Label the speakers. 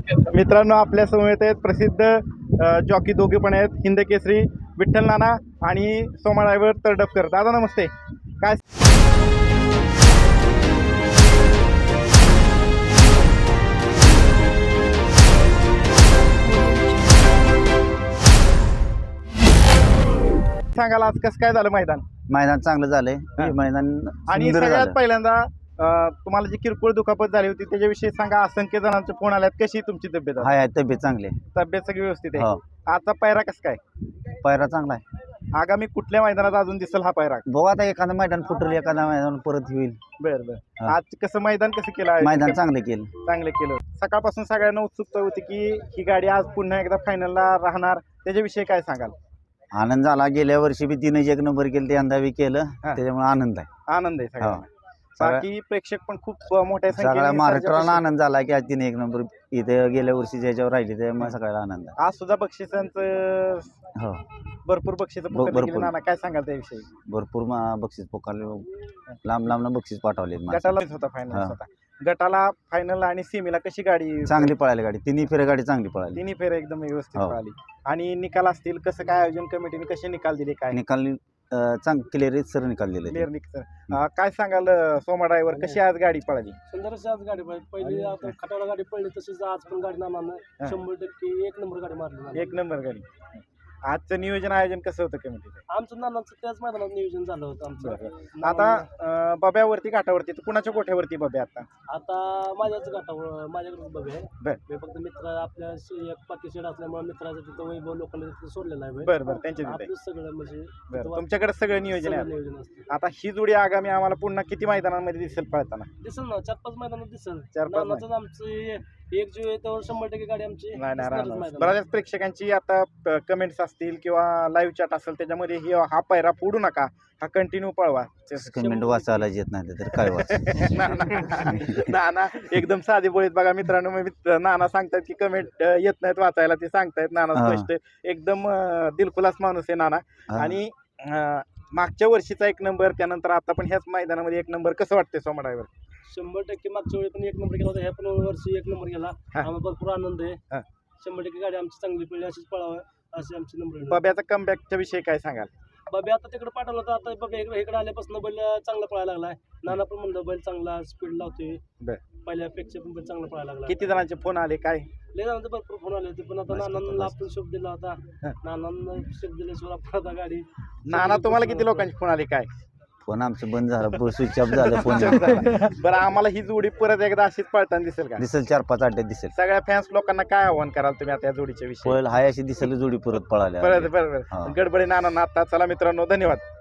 Speaker 1: मित्रांनो, आपल्या समवेत आहेत प्रसिद्ध जॉकी दोघे पण आहेत, हिंद केसरी विठ्ठल नाना आणि सोमा ड्रायव्हर तरडफकर. दादा नमस्ते. काय सांगाल, आज कसं काय झालं मैदान?
Speaker 2: मैदान चांगलं झालंय.
Speaker 1: हा.
Speaker 2: मैदान
Speaker 1: आणि
Speaker 2: सुंदर
Speaker 1: सगळ्यात
Speaker 2: झालं.
Speaker 1: पहिल्यांदा तुम्हाला जी किरकोळ दुखापत झाली होती त्याच्याविषयी सांगा. असंख्य जणांचे फोन आल्यात. कशी तुमची तब्येत आहे?
Speaker 2: हाय तब्येत चांगली आहे.
Speaker 1: तब्येत सगळी व्यवस्थित आहे?
Speaker 2: हो.
Speaker 1: आजचा पायरा कसं काय?
Speaker 2: पायरा चांगला आहे.
Speaker 1: आगामी कुठल्या मैदानात अजून दिसेल हा पायरा?
Speaker 2: बघू आता एखादं मैदान फुटलं, एखादं मैदान परत होईल.
Speaker 1: बर बर.
Speaker 2: हा.
Speaker 1: आज कसं मैदान कसं केलं आहे?
Speaker 2: मैदान चांगलं केलं.
Speaker 1: चांगलं केलं. सकाळपासून सगळ्यांना उत्सुकता होती की ही गाडी आज पुन्हा एकदा फायनलला राहणार. त्याच्याविषयी काय सांगाल?
Speaker 2: आनंद झाला. गेल्या वर्षी बी 3 एक नंबर केलं, ते यंदा बी केलं.
Speaker 1: हा.
Speaker 2: त्याच्यामुळे आनंद आहे.
Speaker 1: आनंद आहे सगळ्यांना.
Speaker 2: हो. सगळ्या-
Speaker 1: बाकी प्रेक्षक पण खूप मोठ्या
Speaker 2: सगळ्या
Speaker 1: संख्येने
Speaker 2: महाराष्ट्राला
Speaker 1: सर्जापाशी-
Speaker 2: आनंद झाला की आज 3 एक नंबर इथे गेल्या वर्षी ज्याच्यावर राहिले त्यामुळे सगळ्याला आनंद आहे.
Speaker 1: आज सुद्धा बक्षिसांचं
Speaker 2: हो.
Speaker 1: भरपूर बक्षिसं
Speaker 2: भरपूर.
Speaker 1: पुकारली. नाना काय सांगाल त्याविषयी?
Speaker 2: भरपूर बक्षीस पोकारले, लांब बक्षीस पाठवले.
Speaker 1: गटाला होता फायनल
Speaker 2: हा.
Speaker 1: होता. गटाला फायनल आणि सेमीला कशी गाडी?
Speaker 2: चांगली पळाली गाडी. तिन्ही फेऱ्या गाडी चांगली पळाली.
Speaker 1: तिन्ही फेर एकदम व्यवस्थित
Speaker 2: हो.
Speaker 1: पळाली. आणि निकाल असतील, कसं काय आयोजन कमिटीने कसे निकाल दिले, काय
Speaker 2: निकाल क्लिअर सर निकाल दिले.
Speaker 1: क्लिअर निकाल? काय सांगाल सोमा ड्रायव्हर, कशी आज गाडी पळाली?
Speaker 3: सुंदरशी आज गाडी पळली. पहिली आता खटावला गाडी पडली, तशीच आज पण गाडी नानानं 100% 1 नंबर गाडी मारली.
Speaker 1: एक नंबर गाडी. आजचं नियोजन आयोजन कसं होतं कमिटीचं?
Speaker 3: आमचं नानांचं त्याच मैदानात नियोजन झालं होतं आमचं.
Speaker 1: आता बब्यावरती घाटावरती तर कुणाच्या गोठ्यावरती बब्या आता?
Speaker 3: आता माझ्याच गाठावर माझ्याकडेच बघ आहे.
Speaker 1: बर.
Speaker 3: मी फक्त मित्र आपल्या एक पाकी शेड असल्यामुळे मित्राचं तिथं वैभव लोकांना तिथं सोडलेलं आहे.
Speaker 1: बरं बरं, त्यांच्या तिथे.
Speaker 3: आपलं सगळं म्हणजे
Speaker 1: बरं,
Speaker 3: तिथं
Speaker 1: तुमच्याकडे सगळं नियोजन आहे.
Speaker 3: सगळं नियोजन असतं.
Speaker 1: आता ही जोडी आगामी आम्हाला पुन्हा किती मैदानांमध्ये दिसेल पळताना?
Speaker 3: दिसेल ना, 4-5 मैदानात दिसेल.
Speaker 1: 4-5
Speaker 3: नानाचं आमचं एक जीव आहे त्यावर 100% गाडी आमची
Speaker 1: नाही
Speaker 3: दिसणारच
Speaker 1: राहणार.
Speaker 3: मैदानात.
Speaker 1: बऱ्याच प्रेक्षकांची आता कमेंट्स असतील किंवा लाईव्ह चॅट असेल त्याच्यामध्ये हा पायरा फोडू नका, हा कंटिन्यू पळवा.
Speaker 2: कमेंट वाचायला येत नाही तर काय वाच.
Speaker 1: नाना एकदम साधी बोळीत. बघा मित्रांनो, नाना सांगतात की कमेंट येत नाहीत वाचायला, ते सांगतायत. नाना
Speaker 2: हा.
Speaker 1: स्पष्ट एकदम दिलखुलास माणूस आहे नाना.
Speaker 2: हा.
Speaker 1: आणि मागच्या वर्षीचा 1 नंबर, त्यानंतर आता पण ह्याच मैदानामध्ये 1 नंबर, कसं वाटतंय सोमा ड्रायव्हर?
Speaker 3: 100% मागच्या वेळी पण 1 नंबर केला होता, ह्या पण वर्षी 1 नंबर केला.
Speaker 1: हा.
Speaker 3: आम्हाला भरपूर आनंद आहे.
Speaker 1: हा.
Speaker 3: 100% गाडी आमची चांगली पडली, अशीच पळावं असे आमचे नंबर.
Speaker 1: बब्याचा कमबॅकच्या विषयी काय सांगाल?
Speaker 3: बाबी आता तिकडे पाठवलं होतं, आता बाबी इकडे आल्यापासून बैल चांगला पळायला लागलाय. नाना पण म्हणलं बैल चांगला स्पीड लावतोय.
Speaker 1: बर.
Speaker 3: पहिल्यापेक्षा पण बैल चांगला पळायला लागला.
Speaker 1: किती जणांचे फोन आले, काय?
Speaker 3: लय जणांचे भरपूर फोन आले होते, पण आता नानांना आपण शब्द दिला होता.
Speaker 1: हा.
Speaker 3: नानांना शब्द दिल्याशिवाय आपण आता गाडी.
Speaker 1: नाना, तुम्हाला किती लोकांचे फोन आले, काय?
Speaker 2: फोन आमचं बंद झालं, स्विच ऑफ झालं फोन.
Speaker 1: बरं, आम्हाला ही जोडी परत एकदा अशीच पळताना दिसेल का?
Speaker 2: दिसेल 4-5 अड्ड्यात दिसेल.
Speaker 1: सगळ्या फॅन्स लोकांना काय आव्हान कराल तुम्ही आता या जोडीच्या विषयी?
Speaker 2: पळ हाय अशी दिसेल जोडी परत पळाल्या.
Speaker 1: बरं बरं.
Speaker 2: हा.
Speaker 1: गडबडी नाना आता. चला मित्रांनो, धन्यवाद.